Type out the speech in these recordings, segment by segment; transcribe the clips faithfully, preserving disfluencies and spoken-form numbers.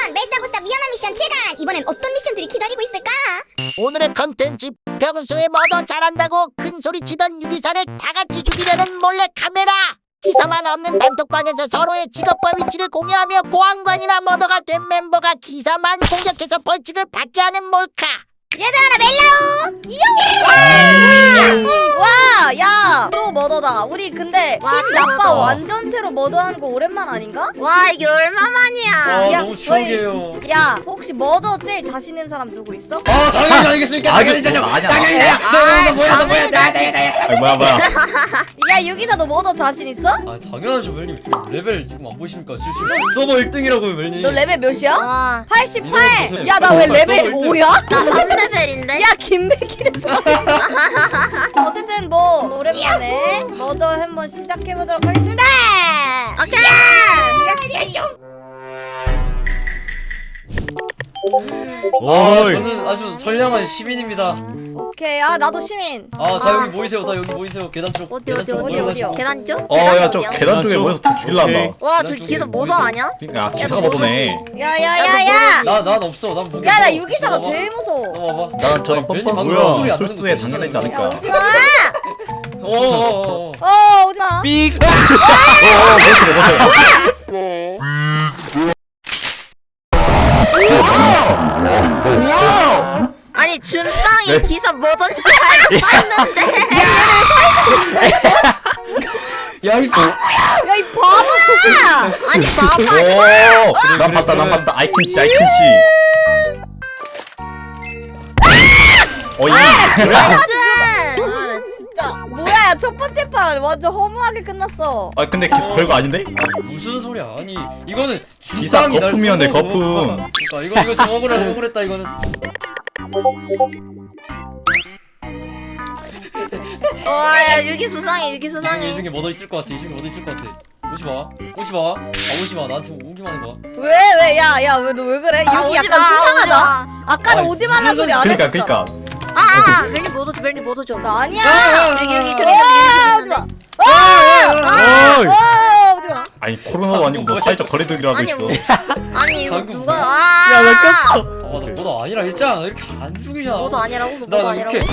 멜사보사 위험한 미션 칠 강! 이번엔 어떤 미션들이 기다리고 있을까? 오늘의 컨텐츠 평소에 뭐더 잘한다고 큰소리 치던 유기사를 다같이 죽이려는 몰래카메라. 기사만 없는 단톡방에서 서로의 직업과 위치를 공유하며 보안관이나 머더가 된 멤버가 기사만 공격해서 벌칙을 받게 하는 몰카. 얘들아 나 멜라오! 와! 야! 또 머더다. 우리 근데 와, 팀 나빠 머더. 완전체로 머더하는 거 오랜만 아닌가? 와 이게 얼마만이야. 와 야, 너무 추억이에요. 야 혹시 머더 제일 자신 있는 사람 누구 있어? 아 당연히 알겠으니까 당연히 아니, 당연히 아니야. 당연히 내가 너너 뭐야 너 뭐야 나 나야 나야. 아니 뭐야 뭐야. 야 유기사 너 머더 자신 있어? 아 당연하죠 멜님. 레벨 지금 안 보이십니까? 지금 서버 일 등이라고요 멜님. 너 레벨 몇이야? 와, 팔십팔! 야 나 왜 레벨 오야? 나 삼 레벨인데? 야 김백희에서 어쨌든 뭐 오랜만에 머더 한번 시작해보도록 하겠습니다. 오케이. 아 어이. 저는 아주 선량한 시민입니다. 오케이. 아 나도 시민. 아 다 여기 모이세요. 다 여기 모이세요. 계단 쪽. 어디 계단 어디 쪽 어디 올라가시고. 어디요? 계단 쪽? 어야 저 어디야? 계단 쪽에 쪽. 모여서 다 죽일란다. 오케이. 와, 저 계단 기사 쪽에 뭐도 모이세요. 아냐? 그러니까 기사가 보더네. 야야야야. 나 난 없어. 난 무게. 야 나 유기사가 제일 무서워. 넘어봐. 난 저런 멜님 뻔뻔 방금 뭐야 소리 안 나는 거 술수에 보시잖아요. 당연하지 야 않을까. 오지마. 어어어. 어 오지마. 삑. 어어 멋있어 멋있어. 아니 준빵이 네. 기사 뭐던지 알고 썼는데. 야이 뭐. 야 이 바보야. 아니 봐봐. 오난 봤다 난 봤다. I can see I can see. 어이 뭐야? 아나 진짜 뭐야 첫 번째 판 완전 허무하게 끝났어. 아 근데 기사 별거 아닌데? 무슨 소리야? 아니 이거는 기사 준빵이 날 거품이었네, 쏘고. 거품. 그러니까 이거 이거 좀 억울하다 억울했다 이거는. 와야 유기 수상해 유기 이 수상해. 중에 뭐더 있을 것 같아. 이 중에 뭐더 있을 것 같아. 오지 마. 오지 마. 아 오지 마. 나한테 오기만 해봐. 왜 왜 야 야 왜 너 왜 그래? 아, 유기 오지 약간 마, 수상하다. 아까는 아니, 오지 말란 소리 안 그러니까 했었잖아. 그러니까. 아아 멜리 뭐도 멜리 뭐도 줘. 나 아니야. 여기 여기 저기 아, 저기 오지 마. 저기. 어이. 아 오지 마. 아니 코로나도 아니고 뭐 사회적 거리두기라고 아니, 있어. 뭐. 아니 이거 방금 누가 뭐야? 아. 야, 나 꼈어. 아나 뭐도 아니라 했잖아. 나 이렇게 안 죽이잖아. 뭐도 아니라고 너 나 뭐도 나 아니라고. 이렇게.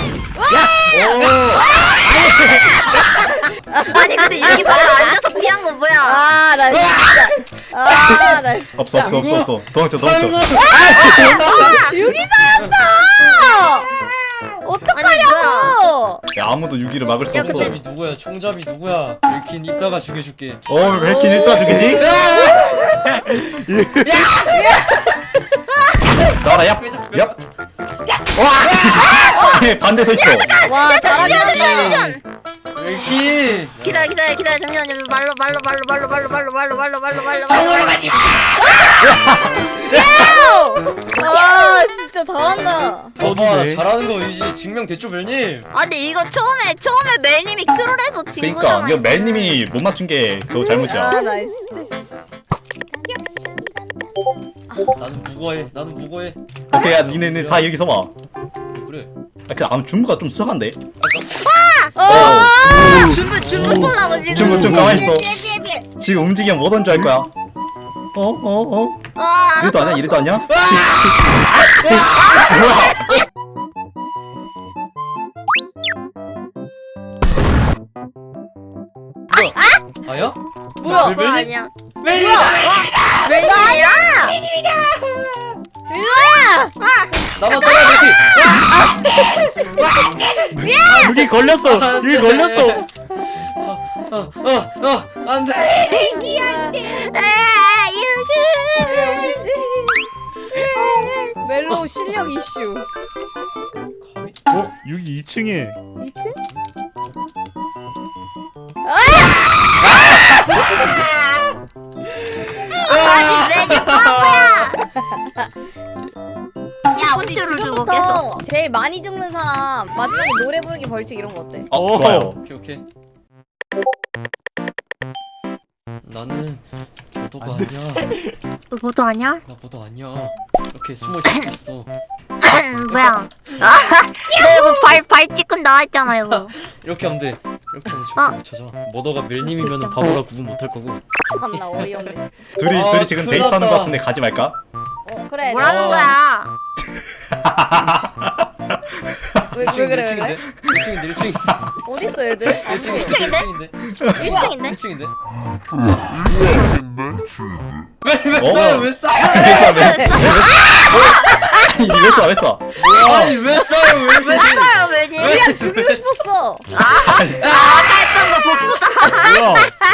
아니 근데 여기 봐봐 앉아서 피한 거 뭐야? 아 나 진짜. 아나 진짜. 없어 없어 없어 없어. 도망쳐 도망쳐. 유기사였어. 어떡하냐고. 야, 아무도 유기를 막을 수 야, 없어. 근데- 총잡이 누구야? 총잡이 누구야? 이렇게 이따가 죽여줄게. 어 벨킨 일단 죽이지? 나라 얍! 얍! 와! 반대 서 있어. 와 잘한다. 이렇게. 기다려 기다려 기다려 잠시만요 말로 말로 말로 말로 말로 말로 말로 말로 말로 말로 말로 가지 마. 와 진짜 잘한다. 봐봐 잘하는 거 이제 증명됐죠 멜님? 아니 이거 처음에 처음에 멜님이 트롤해서 진 그러니까 거잖아. 이거 멜님이 못 맞춘 게 그거 잘못이야. 아나 진짜. 나는 무거해. 나는 무거해. 오케이 야 니네는 다 여기서 와. 그래. 아 근데 아무 준무가 좀 수상한데? 어. 준비 준비 쏠라고 지금. 준무 좀 가만히 있어. 비에 비에 비에. 지금 움직이면 뭐던 줄 알 거야. 어? 어? 어? 아, 이래도 아냐? 이래도 아냐? 뭐야? 아야? 뭐야? 멜- 그거 멜님? 아니야. 멜님이다. 멜님이야? 일로와. 나만 따라 멜님. 여기 걸렸어. 여기 걸렸어. 어어어 안돼. 아, 이렇게. 멜로우 실력 이슈. 어? 여기 이 층에. 이 층? 아니 멜님 바보야. 야 우리 콘트롤 주고 지금부터 제일 많이 죽는 사람 마지막에 노래 부르기 벌칙 이런 거 어때? 어 좋아요. 오케이 오케이. 나는 보도가 아니야. 너 뭐도 아냐? 나 보도 아니야. 이렇게 숨어 있을 수 있어. 뭐야? 너 이거 발발 찌끔 나와있잖아 이거. 이렇게 하면 돼. 이렇게 하면 어. 절대 못 찾아. 머더가 멜님이면 바보라 구분 못할 거고. 참나 어이없네 진짜. 둘이 아, 둘이 지금 큰일 데이트하는 났다. 것 같은데 가지 말까? 어 그래. 뭐라는 어. 거야? 왜, 왜 그래 왜 그래? 일 층인데 일 층인데 어딨어 얘들? 일 층인데 일 층인데? 일 층인데? 일 층인데 어? 왜왜 싸요 왜 싸요 왜 쏴? 왜 쏴? 왜 쏴? 아니 왜 싸요 왜 왜 써요 왜니? 그냥 죽이고 싶었어. 아까 했던 거 복수다. 뭐야?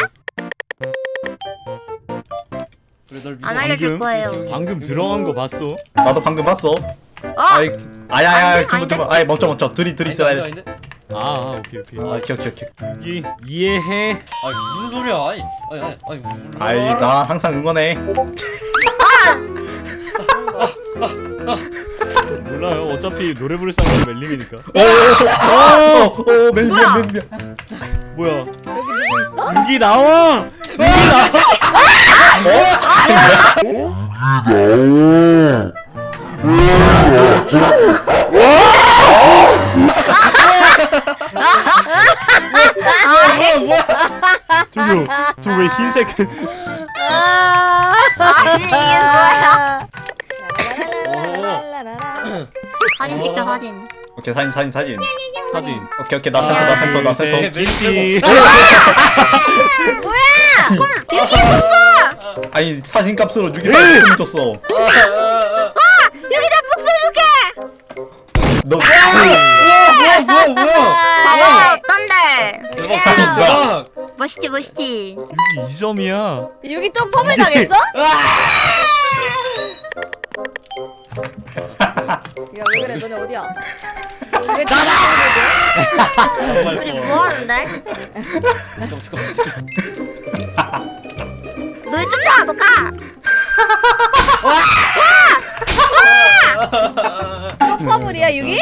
그래 널 믿어 안 알려줄 방금? 거예요. 방금 들어간 거 봤어? 나도 방금 봤어. 어? 아이, 아야야, 아닌데? 두분 두분, 아이 멈춰 멈춰, 둘이 둘이 있어야 돼. 아닌데? 아, 아 오케이 오케이. 아, 기억 기억 기억. 여기 이해해. 아니 무슨 소리야 아니 아니 아니 아니 몰라. 아이, 나 항상 응원해. 몰라요. 어차피 노래 부를 사람은 멜림이니까. 오, 오, 오, 멜, 멜, 멜, 멜. 뭐야? 여기 누구 있어? 여기 나와. 여기 나와. 저기요. 저 왜 흰색? 아. 아니 이게 뭐야? 라라라라라라라라. 사진 찍자 사진. 오케이, 사진 사진 사진. 사진. 오케이 오케이, 나 센터 나 센터 나 센터. 네, 김치. 여기 복수! 아니 사진 값으로 누기 사진 줬어. 여기 나 복수해줄게! 너 뭐야 뭐야 뭐야 봐봐 어떤데? 대박 대박 멋있지 멋있지. 여기 이 점이야. 여기 또 펌을 당했어? 야 왜 그래 너네 어디야? 왜 나랑 우리 뭐하는데? 너 쫓아 너 가! 또 펌을이야 여기?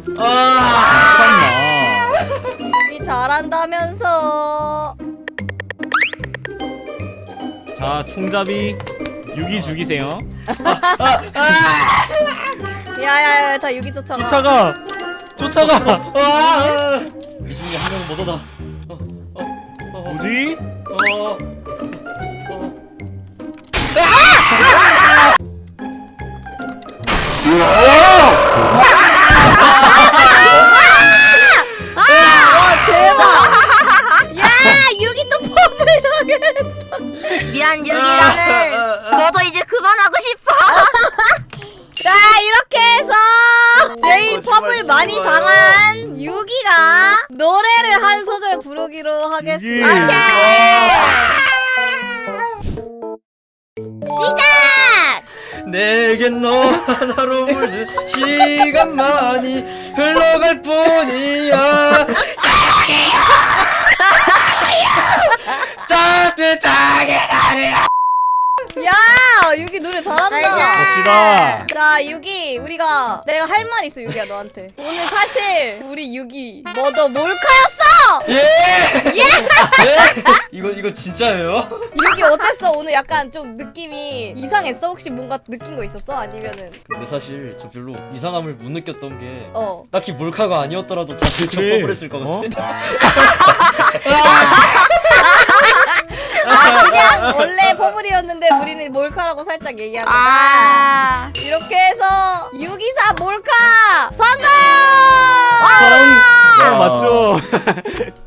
아 여기 잘한다면서. 자, 총잡이 유기 죽이세요. 야야야 다 여기 쫓아가. 쫓아가. 쫓아가. 이 중에 한 명은 못 얻어 어, 어, 어, 뭐지? 어, 어. 와 대박. 야 여기 또 펌을 당해. 미안 유기라는 너도 이제 그만하고 싶어. 자 이렇게 해서 제일 펌을 많이 당한 유기가 노래를 한 소절 부르기로 하겠습니다. 시작! 내겐 너 하나로 물든 시간만이 흘러갈 뿐이야 따뜻하게 나를 야 유기 노래 잘한다. 멋지다. 자 유기 우리가 내가 할 말 있어 유기야 너한테. 오늘 사실 우리 유기 뭐더 몰카였어. 예! 예! 이거 이거 진짜예요? 유기 어땠어? 오늘 약간 좀 느낌이 이상했어? 혹시 뭔가 느낀 거 있었어? 아니면은 근데 사실 저 별로 이상함을 못 느꼈던 게 어 딱히 몰카가 아니었더라도 다들 그래. 접어버렸을 것 어? 같아. 아 그냥 원래 퍼블이었는데 우리는 몰카라고 살짝 얘기한 거다. 아. 이렇게 해서 유기사 몰카 성공! 성. 아, 맞죠?